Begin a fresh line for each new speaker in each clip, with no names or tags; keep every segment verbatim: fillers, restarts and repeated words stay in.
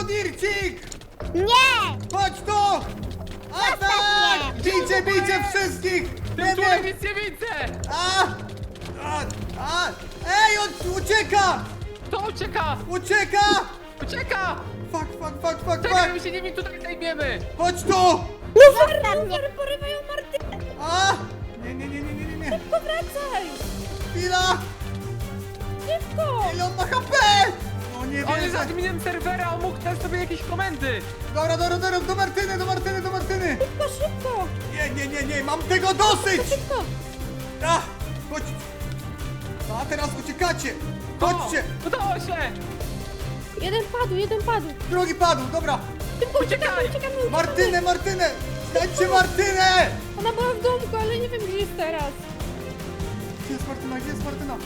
Dircik!
Nie!
Chodź tu! Atak! Bijcie, bijcie wszystkich!
Tym
Nie
turem
wiem!
nic nie widzę!
A! A! A! Ej, on ucieka!
To ucieka!
Ucieka!
Ucieka!
Fuck, fuck, fuck, fuck,
Czekaj, my
fuck!
się nimi tutaj zajmiemy!
Chodź tu!
Zostaw mnie!
Porywają Martynę!
A! Nie, nie, nie, nie, nie, nie, nie!
Powracaj!
Chwila!
Szybko!
Ile on ma H P? No nie
On jest
wierzę!
adminem serwera, on mógł dać sobie jakieś komendy!
Dobra, dobra, dobra, do Martyny, do Martyny, do Martyny!
Szybko, szybko!
Nie, nie, nie, nie, mam tego dosyć!
Szybko!
A! Chodź! A teraz uciekacie! Chodźcie!
O, udało się!
Jeden padł, jeden padł!
Drugi padł, dobra!
Szybko,
Uciekaj!
uciekamy, uciekamy, uciekamy!
Martynę, Martynę! Znajdźcie Martynę!
Ona była w domku, ale nie wiem gdzie jest teraz.
Gdzie jest Martyna, gdzie jest Martyna?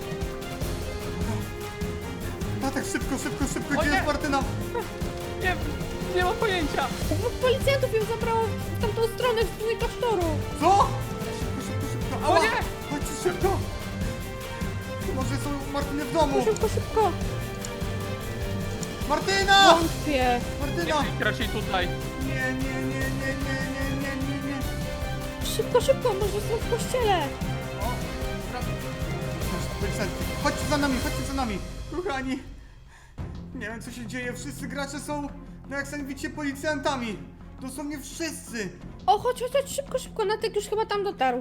Tatek, szybko, szybko, szybko,
O
gdzie
nie!
jest Martyna?
Nie, nie mam pojęcia!
Dwóch policjantów ją zabrało w tamtą stronę, w stronę klasztoru.
Co? Szybko, szybko, szybko, ała!
O nie!
Chodźcie szybko! Może są Martyny w domu!
Szybko, szybko!
Martyna!
Wątpię.
Nie
Martyna!
być raczej tutaj.
Nie, nie, nie, nie, nie, nie, nie, nie, nie.
Szybko, szybko, może są w kościele.
O, dobra. Proszę, policjanci, chodźcie za nami, chodźcie za nami. Kochani, nie wiem co się dzieje, wszyscy gracze są, no jak sami widzicie, policjantami. Dosłownie wszyscy.
O, chodź, chodź, chodź, szybko, szybko, Natek już chyba tam dotarł.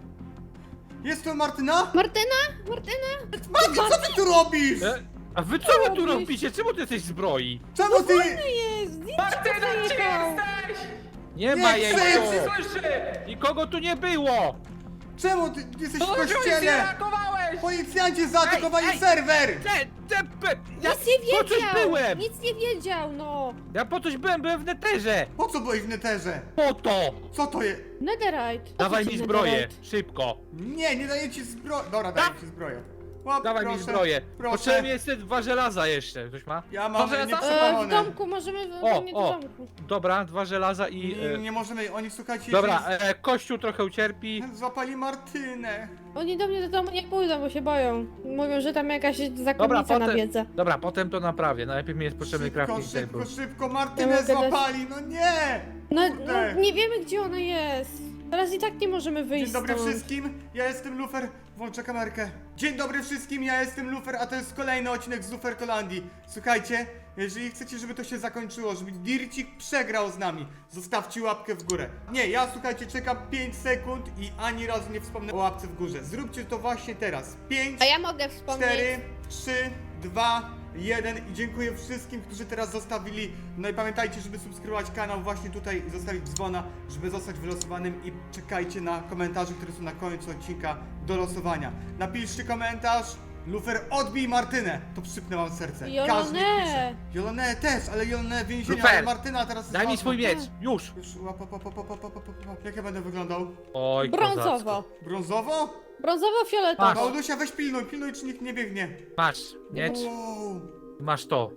Jest tu Martyna?
Martyna? Martyna?
Marty, co ty tu robisz?
E, a wy co wy tu
robisz?
robicie? Czemu ty jesteś w zbroi?
Czemu ty...
Jest, zdjęcie
Martyna, gdzie
zajechał.
jesteś? Nie,
Nie
ma jej
krzycz!
tu! Słyszy! Nikogo tu nie było!
Czemu ty, ty jesteś w
To nie
kościele?
reagowałeś!
Policjanci zaatakowali
Ej, ej.
serwer!
Te, te, pe, ja
Nic nie
po coś
wiedział!
byłem!
Nic nie wiedział, no!
Ja po coś byłem, byłem w neterze!
Po co byłeś w neterze?
Po to!
Co to jest?
Netherite. Po
Dawaj
co
mi
ci
zbroję,
netherite?
szybko!
Nie, nie daję ci zbroi. Dobra, daję ci zbroję. Łap,
Dawaj
proszę,
mi zbroję!
Proszę.
Potrzebuję jeszcze dwa żelaza jeszcze. Ktoś ma?
Ja mam
Dwa żelaza?
E, w
nieprzepalone.
domku możemy... w-
O,
nie do
o.
domku.
Dobra, dwa żelaza i...
Nie, nie,
E,
nie możemy, oni słuchajcie,
dobra,
jeśli
e, kościół trochę ucierpi.
złapali Martynę.
Oni do mnie do domu nie pójdą, bo się boją. Mówią, że tam jakaś
Dobra,
zakonnica
potem,
nawiedza.
dobra, potem to naprawię. Najpierw mi jest potrzebny
Szybko,
crafting
szybko,
table.
szybko,
Ja
Martynę
mogę dać-
złapali, no nie!
No,
Kurde.
no, nie wiemy gdzie ona jest. Teraz i tak nie możemy wyjść
Dzień dobry
stąd.
wszystkim, ja jestem Lufer, włączę kamerkę. Dzień dobry wszystkim, ja jestem Lufer, a to jest kolejny odcinek z Luferkolandii. Słuchajcie, jeżeli chcecie, żeby to się zakończyło, żeby Dircik przegrał z nami, zostawcie łapkę w górę. Nie, ja słuchajcie, czekam pięć sekund i ani razu nie wspomnę o łapce w górze. Zróbcie to właśnie teraz. pięć,
A ja mogę wspomnieć.
cztery, trzy, dwa, jeden i dziękuję wszystkim, którzy teraz zostawili. No i pamiętajcie, żeby subskrybować kanał właśnie tutaj i zostawić dzwona, żeby zostać wylosowanym i czekajcie na komentarze, które są na końcu odcinka do losowania. Napiszcie komentarz. Lufer, odbij Martynę! To przypnę wam serce.
Jolone.
Każdy pisze. Jolone też, ale Jolone w więzieniu,
Lufer,
ale Martyna teraz jest
Daj mi
ważna.
swój miecz, już!
Już, łap, łap, łap, łap, łap, łap, łap, łap. Jak ja będę wyglądał?
Oj,
Brązowo.
kozacko.
Brązowo?
Brązowo-fioletowo.
Masz.
Paulusia, weź pilnuj, pilnuj, czy nikt nie biegnie.
Masz miecz,
Wow,
masz to.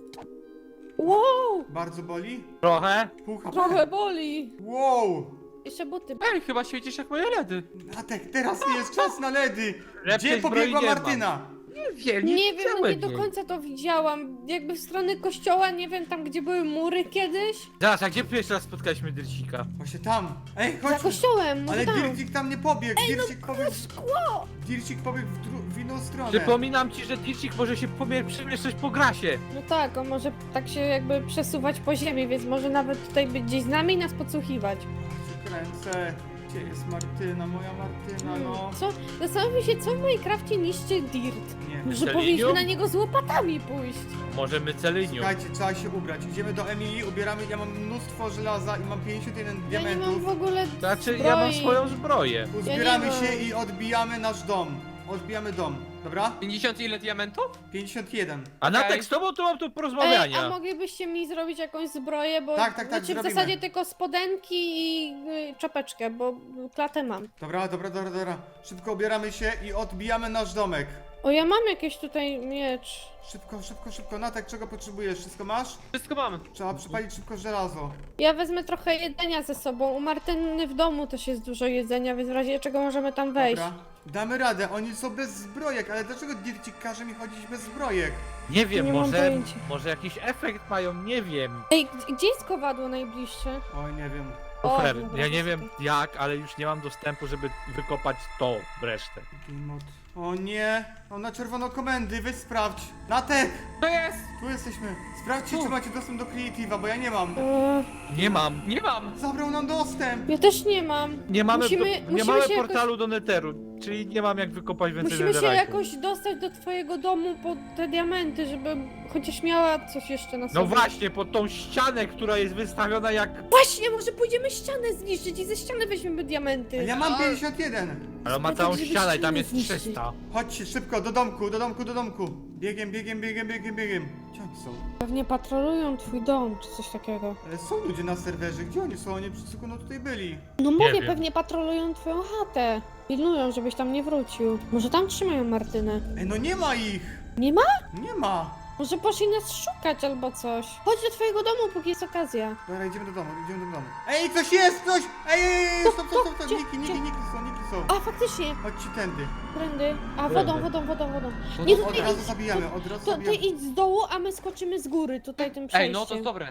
Wow!
bardzo boli?
Trochę?
Pół H P.
Trochę boli.
Wow!
Jeszcze buty.
Ej, chyba świecisz jak moje ledy.
Natek, teraz nie jest czas na ledy!
Lepszej
Gdzie
zbroi
pobiegła
nie mam.
Martyna?
Nie wiem, nie,
Nie wiem, no nie
widziałem
do
jej.
końca to widziałam. Jakby w stronę kościoła, nie wiem, tam gdzie były mury kiedyś.
Zaraz, a gdzie pierwszy raz spotkaliśmy Dyrcika?
Właśnie tam. Ej,
Za
chodź!
kościołem, może
Ale
tam.
Dircik tam nie pobiegł.
Ej, no
Dircik pobiegł,
szkło!
Dircik pobiegł w, dru- w inną stronę.
Przypominam ci, że Dyrcik może się pomie- przemieszczać po grasie.
No tak, on może tak się jakby przesuwać po ziemi, więc może nawet tutaj być gdzieś z nami i nas podsłuchiwać.
Ja się kręcę. Gdzie jest Martyna, moja Martyna,
Hmm,
no.
co? Zastanawiam się, co w Minecrafcie niszczy Dirt.
Nie.
Że
Celinium?
powinniśmy na niego z łopatami pójść.
Możemy celinium.
Słuchajcie, trzeba się ubrać. Idziemy do Emilii, ubieramy. Ja mam mnóstwo żelaza i mam pięćdziesiąt jeden
Ja nie mam
diamentów.
w ogóle
Znaczy,
zbroi.
ja mam swoją zbroję.
Uzbieramy
Ja nie
się
mam.
i odbijamy nasz dom. Odbijamy dom, dobra?
pięćdziesiąt ile diamentów?
pięćdziesiąt jeden.
A na
Okej.
tak z tobą to mam tu
Ej,
porozmawiania.
a moglibyście mi zrobić jakąś zbroję, bo
Tak, tak, tak,
znaczy w
zrobimy.
zasadzie tylko spodenki i y, czapeczkę, bo klatę mam.
Dobra, dobra, dobra, dobra. Szybko ubieramy się i odbijamy nasz domek.
O, ja mam jakiś tutaj miecz.
Szybko, szybko, szybko. Natek, czego potrzebujesz? Wszystko masz?
Wszystko mam.
Trzeba przypalić szybko żelazo.
Ja wezmę trochę jedzenia ze sobą. U Martyny w domu też jest dużo jedzenia, więc w razie czego możemy tam wejść.
Dobra. Damy radę, oni są bez zbrojek, ale dlaczego Dircik każe mi chodzić bez zbrojek?
Nie wiem,
Nie mam
może,
pojęcia.
może jakiś efekt mają, nie wiem.
Ej, g- gdzie jest kowadło najbliższe?
Oj, nie wiem.
O,
Lufer,
dobra,
ja nie
jest
wiem
okej.
jak, ale już nie mam dostępu, żeby wykopać to resztę.
Game mode. O nie, mam na czerwono komendy, weź sprawdź. Natek,
To jest!
tu jesteśmy. Sprawdźcie, czy macie dostęp do Creative'a, bo ja nie mam.
Eee,
Nie mam, nie mam!
Zabrał nam dostęp.
ja też nie mam.
Nie mamy,
Musimy-
do, nie
musimy
mamy
się
portalu do Netheru, czyli nie mam jak wykopać więcej
Musimy się
netherite'u.
jakoś dostać do twojego domu po te diamenty, żeby chociaż miała coś jeszcze na sobie.
No właśnie, pod tą ścianę, która jest wystawiona jak...
Właśnie, może pójdziemy ścianę zniszczyć i ze ściany weźmiemy diamenty.
Ja mam pięćdziesiąt jeden.
Ale on ma
Ale
całą
tak, żeby
ścianę i tam
ścianę
jest
zniszczyć.
trzysta.
Chodźcie szybko, do domku, do domku, do domku. Biegiem, biegiem, biegiem, biegiem, biegiem. Gdzie oni są?
Pewnie patrolują twój dom, czy coś takiego.
Ale są ludzie na serwerze, gdzie oni są? Oni przed sekundą tutaj byli.
No mówię,
wiem.
pewnie patrolują twoją chatę. Pilnują, żebyś tam nie wrócił. Może tam trzymają Martynę.
Ej, no nie ma ich!
Nie ma?
Nie ma!
Może poszli nas szukać albo coś. Chodź do twojego domu, póki jest okazja.
Dobra, idziemy do domu, idziemy do domu. Ej, coś jest, coś! Ej, ej, ej, stop, stop, stop, stop,
Gdzie?
niki, niki,
Gdzie?
niki są, niki są.
A, faktycznie.
Chodźcie tędy.
Prędy. A,
Prędy.
wodą, wodą, wodą, wodą. Nie, to
Od
ty
razu
idź.
zabijamy, od razu
To ty
zabijamy.
idź z dołu, a my skoczymy z góry, tutaj tym przejściem.
Ej, no to jest dobre.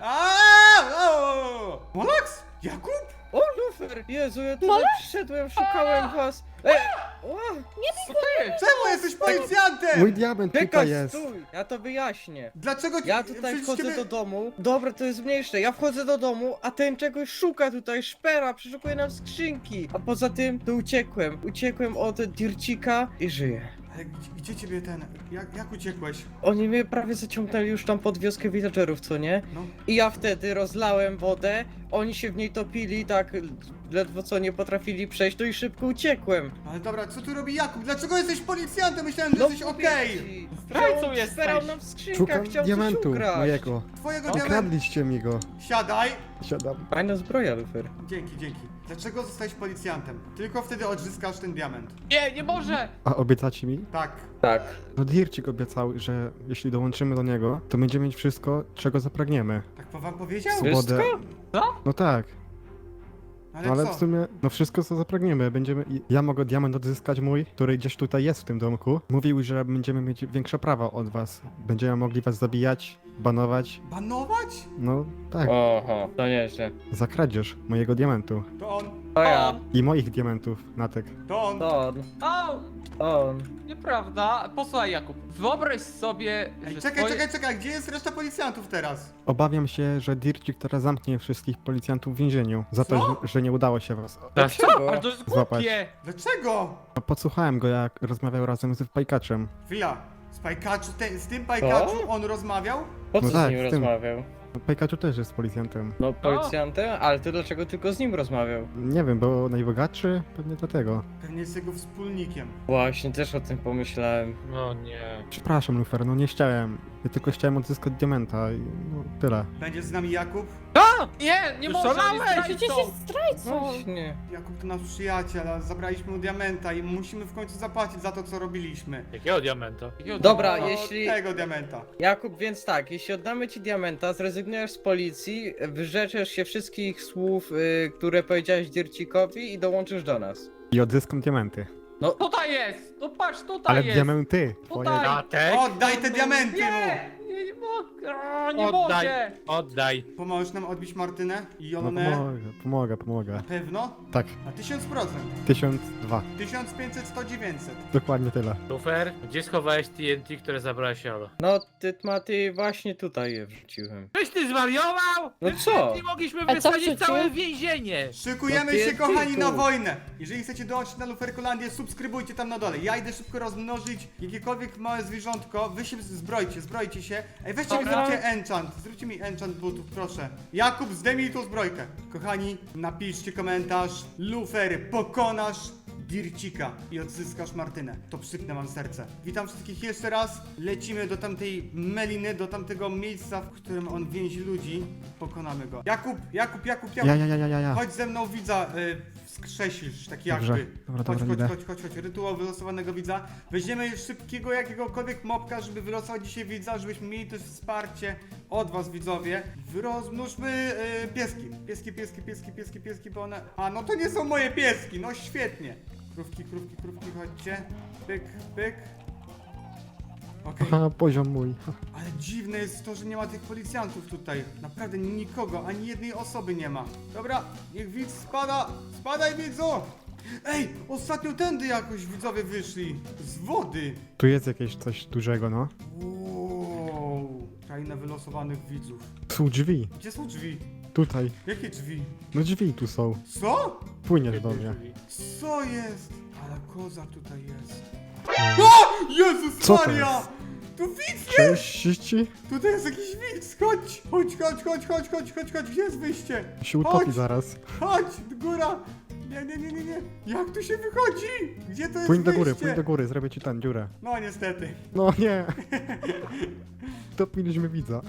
Aaaa! Molax? Jakub?
O, Lufer! Jezu, ja tutaj
Mole?
przyszedłem, szukałem was. Ej! O, co to jest?
Czemu jesteś policjantem?
Mój diament tutaj
Czekaj,
jest.
stój! Ja to wyjaśnię.
Dlaczego ci...
Ja tutaj
przecież
wchodzę
ciebie-
do domu. Dobra, to jest mniejsze. Ja wchodzę do domu, a ten czegoś szuka tutaj, szpera, przeszukuje nam skrzynki. A poza tym, to uciekłem. Uciekłem od Dircika i żyję.
Ale gdzie, gdzie ciebie ten... Jak, jak uciekłeś?
Oni mnie prawie zaciągnęli już tam pod wioskę villagerów, co nie?
No.
I ja wtedy rozlałem wodę, oni się w niej topili, tak ledwo co nie potrafili przejść, to i szybko uciekłem.
Ale dobra, co tu robi Jakub? Dlaczego jesteś policjantem? Myślałem, że
No
jesteś
mówię
okej.
ci.
Zdrajcą
On
jesteś.
Zbierał nam w skrzynkach,
Szukam
chciał
diamentu
coś ukraść.
mojego.
Twojego diamentu.
Okradliście mi go.
Siadaj.
Siadam.
Fajna zbroja, Lufer.
Dzięki, dzięki. Dlaczego zostałeś policjantem? Tylko wtedy odzyskasz ten diament.
Nie, nie może!
A obiecacie mi?
Tak.
Tak.
No Dircik obiecał, że jeśli dołączymy do niego, to będziemy mieć wszystko, czego zapragniemy.
Tak po wam powiedział?
Swobodę.
Co?
No tak.
Ale
No ale
co?
w sumie, no wszystko co zapragniemy. Będziemy, i- ja mogę diament odzyskać mój, który gdzieś tutaj jest w tym domku. Mówił, że będziemy mieć większe prawa od was. Będziemy mogli was zabijać, banować.
Banować?
No tak,
Oho, to nieźle.
za kradzież mojego diamentu.
To on.
To ja.
I moich diamentów, Natek.
To on.
To on.
O,
To on.
nieprawda. Posłuchaj, Jakub. Wyobraź sobie,
Ej,
że
czekaj,
twoje...
czekaj, czekaj. Gdzie jest reszta policjantów teraz?
Obawiam się, że Dircik teraz zamknie wszystkich policjantów w więzieniu. Za to,
Co?
że, że nie udało się was.
Dlaczego?
Ale to jest
Złapać.
głupie.
Dlaczego?
No, podsłuchałem go, jak rozmawiał razem z Pajkaczem.
Chwila. Z Pajkaczu, te, z tym Pajkaczu
Co?
on rozmawiał?
Po co
No tak,
z nim
z tym.
rozmawiał?
No, Pajkaczu też jest policjantem.
No policjantem? Ale ty dlaczego tylko z nim rozmawiał?
Nie wiem, bo najbogatszy? Pewnie dlatego.
Pewnie jest jego wspólnikiem.
Właśnie, też o tym pomyślałem.
No nie.
Przepraszam, Lufer, no nie chciałem. Ja tylko chciałem odzyskać diamenta i no tyle.
Będzie z nami Jakub?
A! Nie, nie może,
Szalałeś!
jest
Przecież
zdrajcą.
jest zdrajcą.
Właśnie.
Jakub to nasz przyjaciel, a zabraliśmy mu diamenta i musimy w końcu zapłacić za to, co robiliśmy.
Jakiego diamenta?
Jakiego
Dobra,
diabła?
jeśli...
Tego diamenta.
Jakub, więc tak, jeśli oddamy ci diamenta, zrezygnujesz z policji, wyrzeczesz się wszystkich słów, y, które powiedziałeś Dircikowi i dołączysz do nas.
I odzyskam diamenty.
Tutaj jest! No patrz, tutaj
Ale
jest!
diamenty! Twoje...
Tutaj.
Natek?
Oddaj te diamenty mu!
Nie! Nie, nie mogę! O, nie
Oddaj,
mogę!
oddaj.
Pomożesz nam odbić Martynę i
No
Jolonę?
pomogę, pomogę, pomogę.
Na pewno?
Tak,
Na tysiąc procent.
tysiąc dwa.
tysiąc pięćset, sto, dziewięćset.
Dokładnie tyle.
Lufer, gdzie schowałeś T N T, które zabrałeś Olo?
No, ty, Maty, właśnie tutaj je wrzuciłem.
Czyś ty zwariował?
No
My
co?
Nie mogliśmy
co
wysadzić
wrzucił?
całe więzienie.
Szykujemy
No ty-
się,
ty
kochani,
tu.
na wojnę! Jeżeli chcecie dołączyć na Luferkolandię, subskrybujcie tam na dole. Ja idę szybko rozmnożyć jakiekolwiek małe zwierzątko. Wy się zbrojcie, zbrojcie się. Ej, weźcie,
Dobra.
zróbcie enchant. Zróbcie mi enchant butów, proszę. Jakub, zdejmij tą zbrojkę. Kochani, napiszcie komentarz. Lufer, pokonasz Dircika i odzyskasz Martynę. To przypnę wam serce. Witam wszystkich jeszcze raz. Lecimy do tamtej meliny, do tamtego miejsca, w którym on więzi ludzi. Pokonamy go. Jakub, Jakub, Jakub, Jakub.
Ja, ja, ja, ja, ja, ja.
Chodź ze mną widza, y, wskrzesisz, taki
Dobrze.
jakby.
Dobra,
chodź,
dobra,
chodź,
idę.
chodź, chodź, chodź, rytuał wylosowanego widza. Weźmiemy szybkiego jakiegokolwiek mopka, żeby wylosować dzisiaj widza, żebyśmy mieli też wsparcie od was widzowie. Rozmnóżmy y, pieski. Pieski, pieski, pieski, pieski, pieski, bo one... A, no to nie są moje pieski, no świetnie. Krówki, krówki, krówki, chodźcie. Pyk, pyk. Okej.
Aha, poziom mój.
Ale dziwne jest to, że nie ma tych policjantów tutaj. Naprawdę nikogo, ani jednej osoby nie ma. Dobra, niech widz spada. Spadaj, widzu! Ej, ostatnio tędy jakoś widzowie wyszli. Z wody.
Tu jest jakieś coś dużego, no.
Wow. Kraina wylosowanych widzów.
Są drzwi.
Gdzie są drzwi?
Tutaj.
Jakie drzwi?
No drzwi tu są.
Co?
Płyniesz do mnie.
Co jest? Ale kozak tutaj jest. O! Jezus
Co to
Maria!
jest?
Tu widz jest!
Cześć, ci
Tutaj jest jakiś widz! Chodź! Chodź, chodź, chodź, chodź, chodź, chodź, chodź! Gdzie jest wyjście?
się utopi
Chodź!
zaraz.
Chodź! Góra! Nie, nie, nie, nie, nie! Jak tu się wychodzi? Gdzie to jest
Płyń do góry,
wyjście?
płyń do góry, zrobię ci tam dziurę.
No niestety.
No nie. Topiliśmy widza.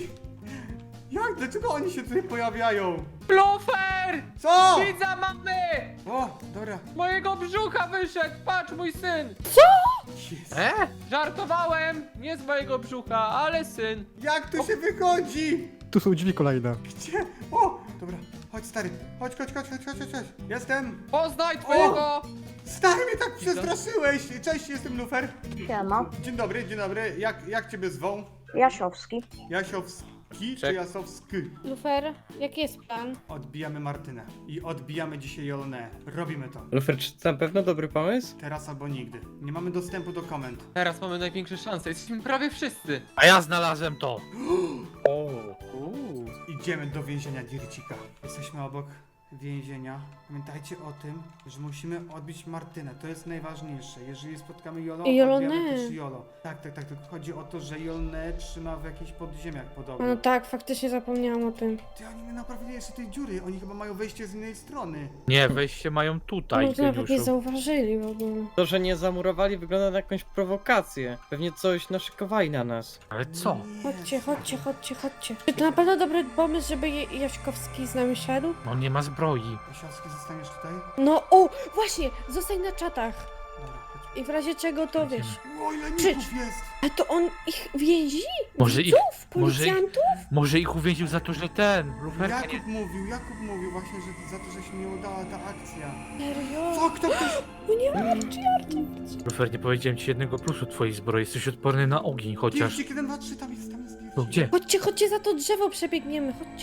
Jak? Dlaczego oni się tutaj pojawiają?
Lufer!
Co?
Widza mamy!
O, dobra.
Z mojego brzucha wyszedł, patrz mój syn!
Jest.
E?
Żartowałem, nie z mojego brzucha, ale syn.
Jak tu się wychodzi?
Tu są drzwi kolejne.
Gdzie? O! Dobra, chodź stary. Chodź, chodź, chodź, chodź, chodź, chodź, chodź. Jestem.
Poznaj twojego...
Stary, mnie tak przestraszyłeś! Cześć, jestem Lufer.
Siema,
Dzień dobry, dzień dobry. Jak, jak ciebie zwą?
Jasiowski.
Jasiowski czy
Czek.
Jasowski?
Lufer, jaki jest plan?
Odbijamy Martynę. I odbijamy dzisiaj Jolonę. Robimy to.
Lufer, czy to na pewno dobry pomysł?
Teraz albo nigdy. Nie mamy dostępu do komend.
Teraz mamy największe szanse, jesteśmy prawie wszyscy.
A ja znalazłem to.
O,
Uuu.
Idziemy do więzienia Dircika. Jesteśmy obok więzienia. Pamiętajcie o tym, że musimy odbić Martynę. To jest najważniejsze. Jeżeli spotkamy Jolo,
I Jolonę.
odbijamy też Jolo. Tak, tak, tak. Tylko chodzi o to, że Jolonę trzyma w jakichś podziemiach podobno.
No tak, faktycznie zapomniałam o tym.
Ty, oni nie naprawili jeszcze tej dziury. Oni chyba mają wejście z innej strony.
Nie, wejście mają tutaj,
No to nawet nie
geniuszu.
zauważyli w ogóle.
to, że nie zamurowali, wygląda na jakąś prowokację. Pewnie coś naszykowali na nas.
Ale co?
Nie.
Chodźcie, chodźcie, chodźcie, chodźcie. Czy to na pewno dobry pomysł, żeby Je- Jaśkowski z nami szedł?
On nie ma zbroi.
Jasiowski, zostaniesz tutaj?
No, o, właśnie, zostań na czatach.
Dobra, chodź.
I w razie czego to wiesz.
O, ile
Krzycz.
ników jest!
A to on ich więzi?
Może ich,
Widzów?
może ich-
Policjantów?
może ich uwięził za to, że ten, Lufer...
Jakub mówił, Jakub mówił właśnie, że za to, że się nie udała ta akcja.
Serio?
Co, kto ktoś...
O nie, Archie, Archie.
Lufer, nie powiedziałem ci jednego plusu twojej zbroi, jesteś odporny na ogień, chociaż...
Dircik jeden, dwa, trzy, tam jest, tam jest Dircik.
No gdzie?
Chodźcie, chodźcie za to drzewo, przebiegniemy, chodźcie.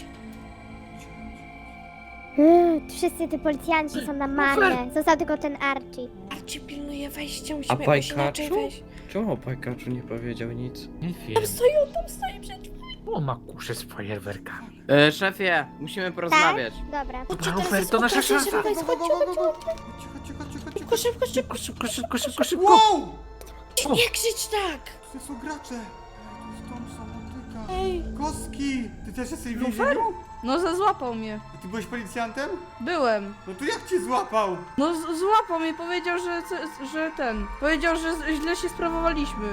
Mm, wszyscy ty policjanci są na marne. Został tylko ten Archie.
Archie pilnuje wejścia,
A
musimy jakoś inaczej
Pajkaczu?
wejść.
Czemu o Pajkaczu nie powiedział nic?
Nie wiem.
Tam stoi, on tam stoi przed...
O, ma kuszę z fajerwerkami.
E, szefie, musimy porozmawiać.
Dobra.
Chodźcie,
Lufer,
teraz jest
to nasza
okazja,
szansa.
żeby wejść,
Go, go,
chodźcie,
go, go,
chodźcie.
go. Chodźcie, chodźcie, chodźcie, chodźcie.
Szybko, szybko, szybko.
Szybko, szybko, szybko, szybko!
Wow!
O.
Nie krzycz tak!
To są gracze. To jest dom samotyka.
Ej,
Kostki! Ty też jesteś w więzieniu?
No, ze- złapał mnie.
A ty byłeś policjantem?
Byłem.
No to jak cię złapał?
No, z- złapał mnie, powiedział, że, co- że ten. Powiedział, że z- źle się sprawowaliśmy.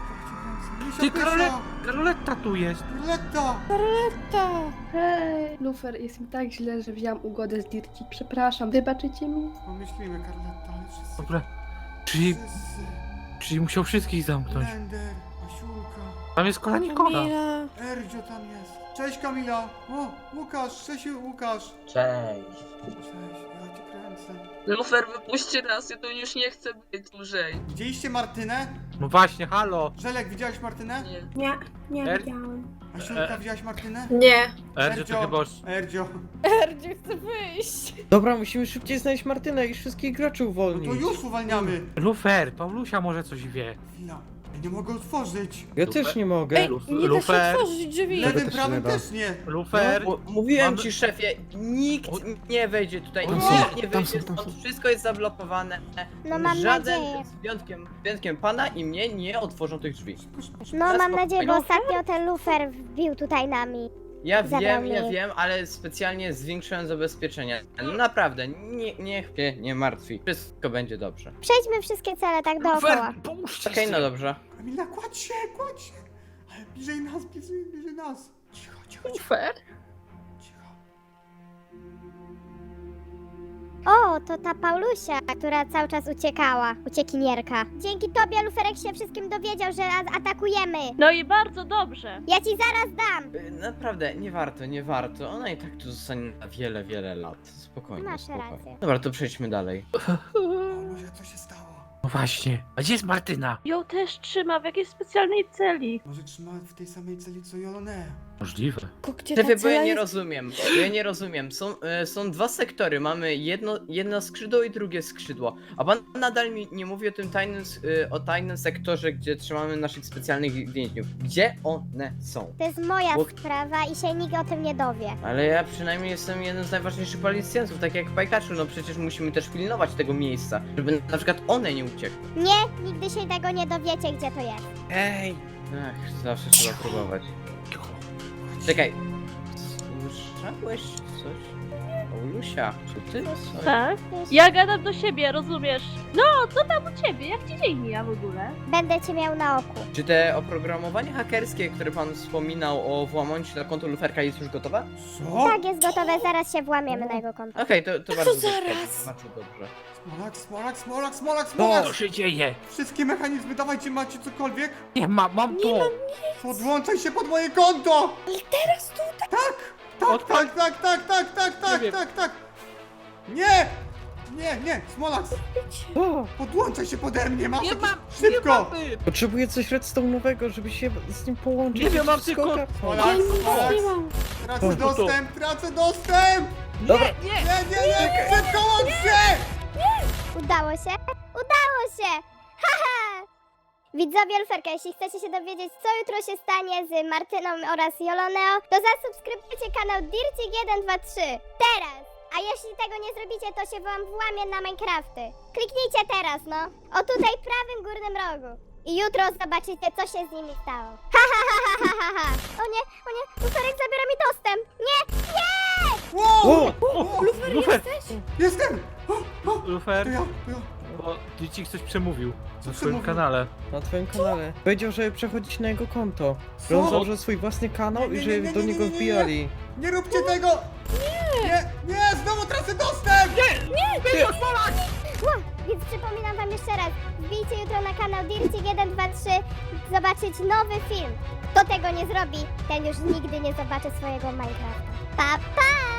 Misia,
Ty,
pysia.
Karole- Karoletta tu jest!
Karoletta!
ta.
Hej, Lufer, jest mi tak źle, że wziąłam ugodę z Dirci. Przepraszam, wybaczycie mi?
Pomyślimy, Karoletta, ale wszyscy...
Dobra, czyli,
Wszyscy.
czyli musiał wszystkich zamknąć.
Blender, Asiulka,
Tam jest kola Nikola.
Kamila.
Erdzio tam jest. Cześć Kamila! O, Łukasz, cześć Łukasz!
Cześć.
Cześć, ja cię kręcę.
Lufer, wypuśćcie nas, ja tu już nie chcę być dłużej.
Widzieliście Martynę?
No właśnie, halo!
Żelek, widziałeś Martynę?
Nie.
Nie, nie
Er-
widziałam.
Asiulka, widziałaś Martynę?
Nie.
Erdzio to chyba już...
Erdzio.
Erdziu chce wyjść.
Dobra, musimy szybciej znaleźć Martynę i wszystkich graczy
No
uwolnić.
to już uwalniamy.
Lufer, Paulusia może coś wie.
Chwila, ja nie mogę otworzyć.
Ja też nie mogę.
Ej, nie da się
Lufer.
otworzyć drzwi.
Tego
Lewym,
też się
prawym
nie da.
też nie.
Lufer,
Mu- Mówiłem
Mamy-
ci, szefie, nikt
O-
nie wejdzie tutaj,
Tam
nikt
są,
nie
tam
wyjdzie
są, tam
stąd,
są.
wszystko jest zablokowane.
No mam
Żaden
nadzieję.
z wyjątkiem, wyjątkiem pana i mnie nie otworzą tych drzwi.
No mam
spokojnie.
nadzieję, bo ostatnio ten lufer wbił tutaj nami.
Ja
Zabrał
wiem, ja
mnie.
wiem, ale specjalnie zwiększyłem zabezpieczenia. No naprawdę, nie, niech się nie martwi. Wszystko będzie dobrze.
Przejdźmy wszystkie cele tak dookoła.
Lufer, pomóżcie
Okej, no dobrze.
Kamila, kładź się, kładź się. Ale bliżej nas, bliżej, bliżej nas. Cicho, cicho, cicho.
Lufer?
cicho.
O, to ta Paulusia, która cały czas uciekała. Uciekinierka. Dzięki tobie Luferek się wszystkim dowiedział, że a- atakujemy.
No i bardzo dobrze.
Ja ci zaraz dam.
Y, Naprawdę, nie warto, nie warto. Ona i tak tu zostanie na wiele, wiele lat. Spokojnie,
Masz
spokojnie.
rację.
Dobra, to przejdźmy dalej.
Paulusia, co się stało?
No właśnie. A gdzie jest Martyna?
Ją też trzyma w jakiejś specjalnej celi.
Może trzyma w tej samej celi co Jolone.
Możliwe.
Tylko gdzie ta
Szefie, bo ja
cela
nie
jest?
rozumiem. Bo ja nie rozumiem. Są, e, są dwa sektory. Mamy jedno, jedno skrzydło i drugie skrzydło. A pan nadal mi nie mówi o tym tajnym, s- e, o tajnym sektorze, gdzie trzymamy naszych specjalnych więźniów. Gdzie one są?
To jest moja
Bo-
sprawa i się nikt o tym nie dowie.
Ale ja przynajmniej jestem jednym z najważniejszych policjantów, tak jak Pajkaczu. No przecież musimy też pilnować tego miejsca, żeby na przykład one nie uciekły.
Nie, nigdy się tego nie dowiecie, gdzie to jest.
Ej! Ach, zawsze trzeba próbować. Czekaj. Słyszałeś coś? Paulusia, czy ty coś?
Tak? Ja gadam do siebie, rozumiesz? No, co tam u ciebie? Jak ci dzień mija w ogóle?
Będę cię miał na oku.
Czy te oprogramowanie hakerskie, które pan wspominał o włamaniu się na konto luferka jest już gotowe?
Co?
Tak, jest gotowe, zaraz się włamiemy na jego konto.
Okej, to, to bardzo dobrze.
zaraz?
Bardzo dobrze.
Smolak, smolak, smolak, smolak,
Co
smolak!
się dzieje?
Wszystkie mechanizmy, dawajcie, macie cokolwiek?
Nie, ma, mam
Nie
to.
mam
Podłączaj się pod moje konto!
Ale teraz tu tak.
Tak, tak, tak, tak, tak, tak, tak, tak,
wiem.
tak, tak! Nie! Nie, nie, Smolak,
O,
podłączaj się pode mnie, masz
Nie
jakiś-
mam,
Szybko!
nie mamy.
potrzebuję coś redstone'owego, żeby się z nim połączyć.
Nie wiem, mam
Wszystko
tylko-
ogarnąć.
Smolak,
Ja nic
Smolak,
nie mam.
tracę
O,
to.
dostęp, tracę dostęp!
Dobra,
Nie,
Nie, nie, nie, szybko łącz się!
Udało się? Udało się! Haha! Widzowie Luferka, jeśli chcecie się dowiedzieć, co jutro się stanie z Martyną oraz Joloneo, to zasubskrybujcie kanał Dircik jeden dwa trzy. Teraz! A jeśli tego nie zrobicie, to się wam włamie na Minecrafty. Kliknijcie teraz, no. O tutaj prawym górnym rogu. I jutro zobaczycie, co się z nimi stało. Ha, ha, ha, ha, ha, ha, ha. O nie, o nie, Luferek zabiera mi dostęp. Nie, nie!
Wow!
O!
Lufer,
Lufer.
jesteś?
Jestem! O, o,
Lufer,
to ja, to ja.
bo Dircik coś przemówił na swoim
przemówił?
kanale.
na twoim kanale. Powiedział, że przechodzić na jego konto.
Co?
Że on założył swój własny kanał
Nie, nie,
i
nie,
że
nie, nie,
do
nie,
niego
nie, nie, nie.
wbijali.
Nie róbcie tego! Nie! Nie, nie, znowu tracę dostęp!
Ła, więc przypominam wam jeszcze raz, wbijcie jutro na kanał Dircik jeden dwa trzy, zobaczyć nowy film. Kto tego nie zrobi, ten już nigdy nie zobaczy swojego Minecrafta. Pa, pa!